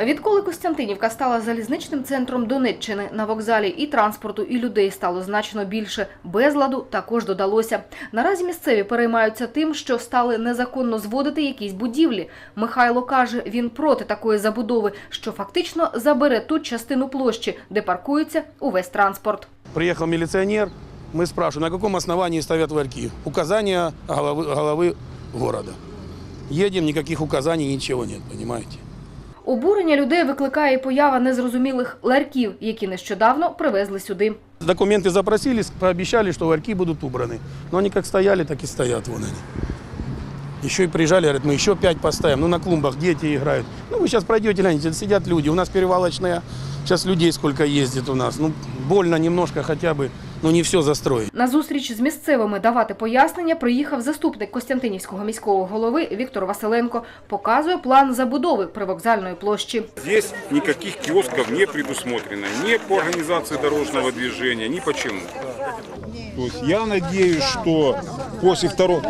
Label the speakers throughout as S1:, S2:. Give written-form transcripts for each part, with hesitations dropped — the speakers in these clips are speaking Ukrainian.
S1: Відколи Костянтинівка стала залізничним центром Донеччини, на вокзалі і транспорту, і людей стало значно більше. Безладу також додалося. Наразі місцеві переймаються тим, що стали незаконно зводити якісь будівлі. Михайло каже, він проти такої забудови, що фактично забере ту частину площі, де паркується увесь транспорт.
S2: Приехал милиционер, мы спрашиваем, на каком основании ставят ларьки. Указания головы города. Едем, никаких указаний, ничего нет, понимаете.
S1: Обурення людей викликає поява незрозумілих ларьків, які нещодавно привезли сюди.
S2: Документы запросили, пообещали, что ларьки будут убраны. Но они как стояли, так и стоят. Вон они. Еще и приезжали, говорят, мы еще 5 поставим. Ну, на клумбах дети играют. Ну, вы сейчас пройдете, гляньте, сидят люди. У нас перевалочная, сейчас людей сколько ездит у нас. Ну, больно немножко хотя бы, но не все застроить.
S1: На зустріч з місцевими давати пояснення приїхав заступник Костянтинівського міського голови Віктор Василенко. Показує план забудови привокзальної площі.
S3: Здесь никаких киосков не предусмотрено. Ни по организации дорожного движения, ни почему.
S4: То есть я надеюсь, что после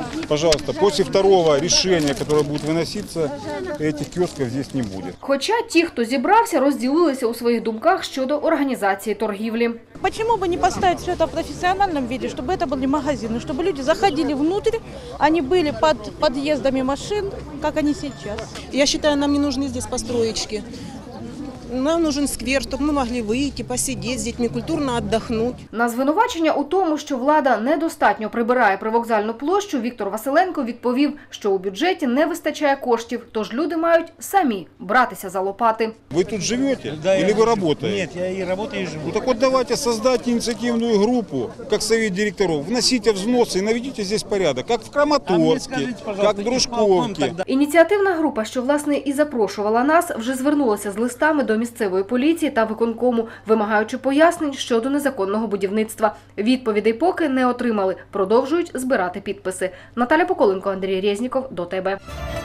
S4: второго решения, которое будет выноситься, этих киосков здесь не будет.
S1: Хоча ті, хто зібрався, розділилися у своїх думках щодо організації торгівлі.
S5: Почему бы не поставить все это в профессиональном виде, чтобы это были магазины, чтобы люди заходили внутрь, они были под подъездами машин, как они сейчас.
S6: Я считаю, нам не нужны здесь построечки. Нам нужен сквер, чтобы мы могли выйти, посидеть с детьми, культурно отдохнуть.
S1: На звинувачення у тому, що влада недостатньо прибирає привокзальну площу, Віктор Василенко відповів, що у бюджеті не вистачає коштів, тож люди мають самі братися за лопати.
S4: Вы тут живете или вы работаете?
S7: Нет, я и работаю, и живу.
S4: Ну так вот давайте создать инициативную группу, как совет директоров, вносите взносы и наведите здесь порядок, как в Краматорске, как в Дружковке.
S1: Ініціативна група, що, власне, і запрошувала нас, вже звернулася з листами до місцевої поліції та виконкому, вимагаючи пояснень щодо незаконного будівництва. Відповідей поки не отримали, продовжують збирати підписи. Наталя Поколенко, Андрій Резніков, до тебе.